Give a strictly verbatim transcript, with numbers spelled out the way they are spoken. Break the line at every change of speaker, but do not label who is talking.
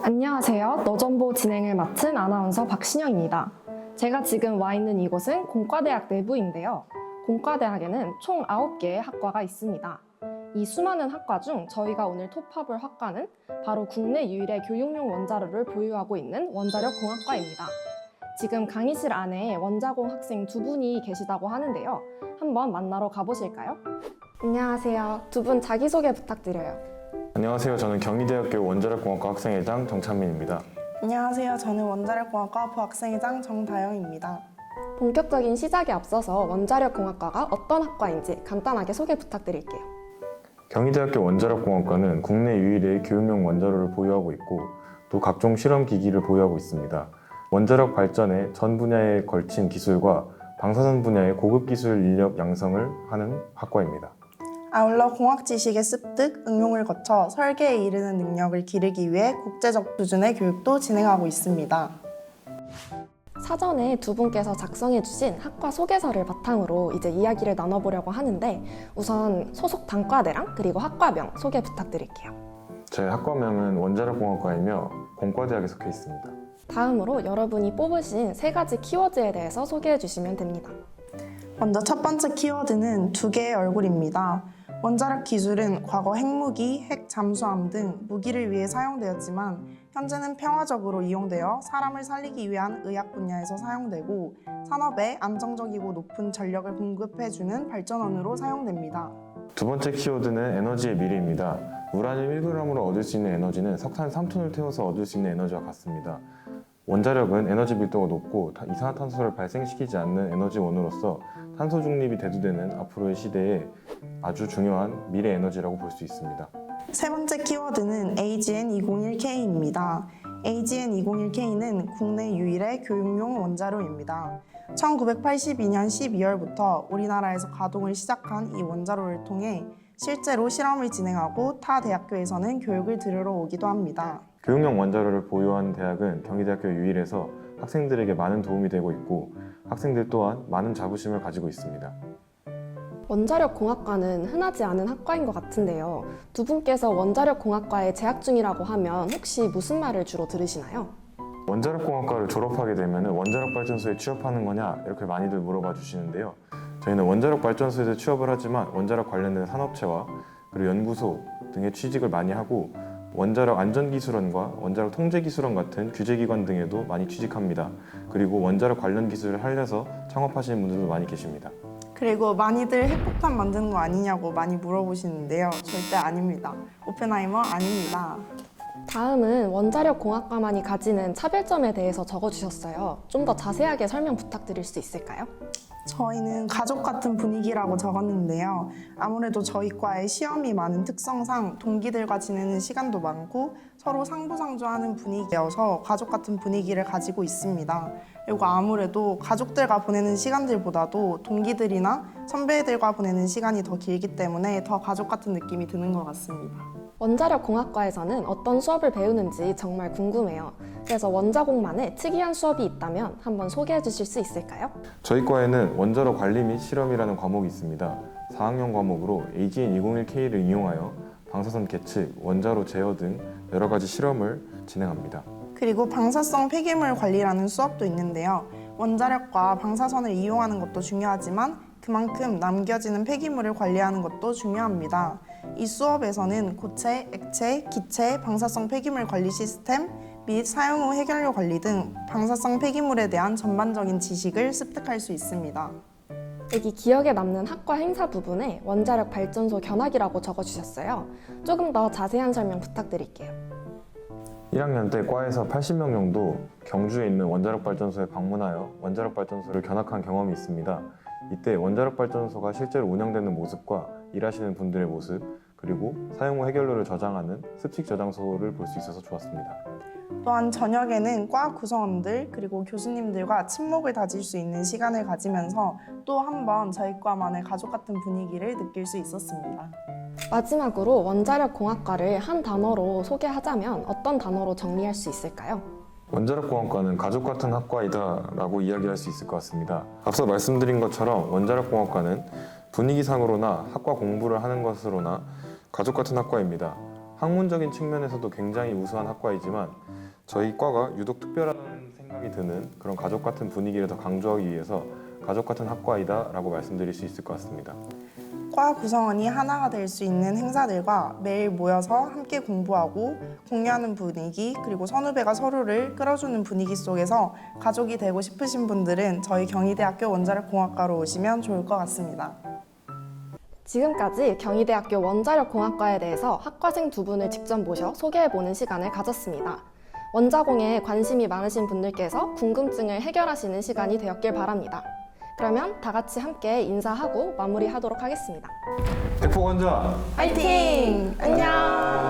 안녕하세요. 너정보 진행을 맡은 아나운서 박신영입니다. 제가 지금 와 있는 이곳은 공과대학 내부인데요. 공과대학에는 총 아홉 개의 학과가 있습니다. 이 수많은 학과 중 저희가 오늘 톱합을 학과는 바로 국내 유일의 교육용 원자로를 보유하고 있는 원자력공학과입니다. 지금 강의실 안에 원자공 학생 두 분이 계시다고 하는데요. 한번 만나러 가보실까요? 안녕하세요. 두 분 자기소개 부탁드려요.
안녕하세요. 저는 경희대학교 원자력공학과 학생회장 정찬민입니다.
안녕하세요. 저는 원자력공학과 부학생회장 정다영입니다.
본격적인 시작에 앞서서 원자력공학과가 어떤 학과인지 간단하게 소개 부탁드릴게요.
경희대학교 원자력공학과는 국내 유일의 교육용 원자로를 보유하고 있고 또 각종 실험기기를 보유하고 있습니다. 원자력 발전의 전 분야에 걸친 기술과 방사선 분야의 고급 기술 인력 양성을 하는 학과입니다.
아울러 공학 지식의 습득, 응용을 거쳐 설계에 이르는 능력을 기르기 위해 국제적 수준의 교육도 진행하고 있습니다.
사전에 두 분께서 작성해주신 학과 소개서를 바탕으로 이제 이야기를 나눠보려고 하는데 우선 소속 단과대랑 그리고 학과명 소개 부탁드릴게요.
제 학과명은 원자력공학과이며 공과대학에 속해 있습니다.
다음으로 여러분이 뽑으신 세 가지 키워드에 대해서 소개해주시면 됩니다.
먼저 첫 번째 키워드는 두 개의 얼굴입니다. 원자력 기술은 과거 핵무기, 핵 잠수함 등 무기를 위해 사용되었지만 현재는 평화적으로 이용되어 사람을 살리기 위한 의학 분야에서 사용되고 산업에 안정적이고 높은 전력을 공급해주는 발전원으로 사용됩니다.
두 번째 키워드는 에너지의 미래입니다. 우라늄 일 그램으로 얻을 수 있는 에너지는 석탄 삼 톤을 태워서 얻을 수 있는 에너지와 같습니다. 원자력은 에너지 밀도가 높고 이산화탄소를 발생시키지 않는 에너지원으로서 탄소 중립이 대두되는 앞으로의 시대에 아주 중요한 미래 에너지라고 볼 수 있습니다.
세 번째 키워드는 에이지엔 이공일 케이입니다. 에이지엔 이공일 케이는 국내 유일의 교육용 원자로입니다. 천구백팔십이 년 십이월부터 우리나라에서 가동을 시작한 이 원자로를 통해 실제로 실험을 진행하고 타 대학교에서는 교육을 들으러 오기도 합니다.
교육용 원자로를 보유한 대학은 경희대학교 유일해서 학생들에게 많은 도움이 되고 있고 학생들 또한 많은 자부심을 가지고 있습니다.
원자력공학과는 흔하지 않은 학과인 것 같은데요. 두 분께서 원자력공학과에 재학 중이라고 하면 혹시 무슨 말을 주로 들으시나요?
원자력공학과를 졸업하게 되면 원자력발전소에 취업하는 거냐 이렇게 많이들 물어봐 주시는데요. 저희는 원자력발전소에서 취업을 하지만 원자력 관련된 산업체와 그리고 연구소 등의 취직을 많이 하고 원자력 안전기술원과 원자력 통제기술원 같은 규제기관 등에도 많이 취직합니다. 그리고 원자력 관련 기술을 살려서 창업하시는 분들도 많이 계십니다.
그리고 많이들 핵폭탄 만드는 거 아니냐고 많이 물어보시는데요. 절대 아닙니다. 오펜하이머 아닙니다.
다음은 원자력공학과만이 가지는 차별점에 대해서 적어주셨어요. 좀 더 자세하게 설명 부탁드릴 수 있을까요?
저희는 가족 같은 분위기라고 적었는데요. 아무래도 저희 과의 시험이 많은 특성상 동기들과 지내는 시간도 많고 서로 상부상조하는 분위기여서 가족 같은 분위기를 가지고 있습니다. 그리고 아무래도 가족들과 보내는 시간들보다도 동기들이나 선배들과 보내는 시간이 더 길기 때문에 더 가족 같은 느낌이 드는 것 같습니다.
원자력공학과에서는 어떤 수업을 배우는지 정말 궁금해요. 그래서 원자공만의 특이한 수업이 있다면 한번 소개해 주실 수 있을까요?
저희 과에는 원자로 관리 및 실험이라는 과목이 있습니다. 사 학년 과목으로 에이지엔 이공일 케이를 이용하여 방사선 계측, 원자로 제어 등 여러 가지 실험을 진행합니다.
그리고 방사성 폐기물 관리라는 수업도 있는데요. 원자력과 방사선을 이용하는 것도 중요하지만 그만큼 남겨지는 폐기물을 관리하는 것도 중요합니다. 이 수업에서는 고체, 액체, 기체, 방사성 폐기물 관리 시스템 및 사용 후 해결료 관리 등 방사성 폐기물에 대한 전반적인 지식을 습득할 수 있습니다.
여기 기억에 남는 학과 행사 부분에 원자력 발전소 견학이라고 적어주셨어요. 조금 더 자세한 설명 부탁드릴게요.
일 학년 때 과에서 팔십 명 정도 경주에 있는 원자력 발전소에 방문하여 원자력 발전소를 견학한 경험이 있습니다. 이때 원자력 발전소가 실제로 운영되는 모습과 일하시는 분들의 모습 그리고 사용 후 해결료를 저장하는 습식 저장소를 볼 수 있어서 좋았습니다.
또한 저녁에는 과 구성원들 그리고 교수님들과 친목을 다질 수 있는 시간을 가지면서 또 한 번 저희 과만의 가족 같은 분위기를 느낄 수 있었습니다.
마지막으로 원자력공학과를 한 단어로 소개하자면 어떤 단어로 정리할 수 있을까요?
원자력공학과는 가족 같은 학과이다 라고 이야기할 수 있을 것 같습니다. 앞서 말씀드린 것처럼 원자력공학과는 분위기상으로나 학과 공부를 하는 것으로나 가족 같은 학과입니다. 학문적인 측면에서도 굉장히 우수한 학과이지만 저희 과가 유독 특별한 생각이 드는 그런 가족 같은 분위기를 더 강조하기 위해서 가족 같은 학과이다 라고 말씀드릴 수 있을 것 같습니다.
과 구성원이 하나가 될 수 있는 행사들과 매일 모여서 함께 공부하고 공유하는 분위기, 그리고 선후배가 서로를 끌어주는 분위기 속에서 가족이 되고 싶으신 분들은 저희 경희대학교 원자력공학과로 오시면 좋을 것 같습니다.
지금까지 경희대학교 원자력공학과에 대해서 학과생 두 분을 직접 모셔 소개해보는 시간을 가졌습니다. 원자공에 관심이 많으신 분들께서 궁금증을 해결하시는 시간이 되었길 바랍니다. 그러면 다 같이 함께 인사하고 마무리하도록 하겠습니다.
대폭원자
화이팅! 안녕!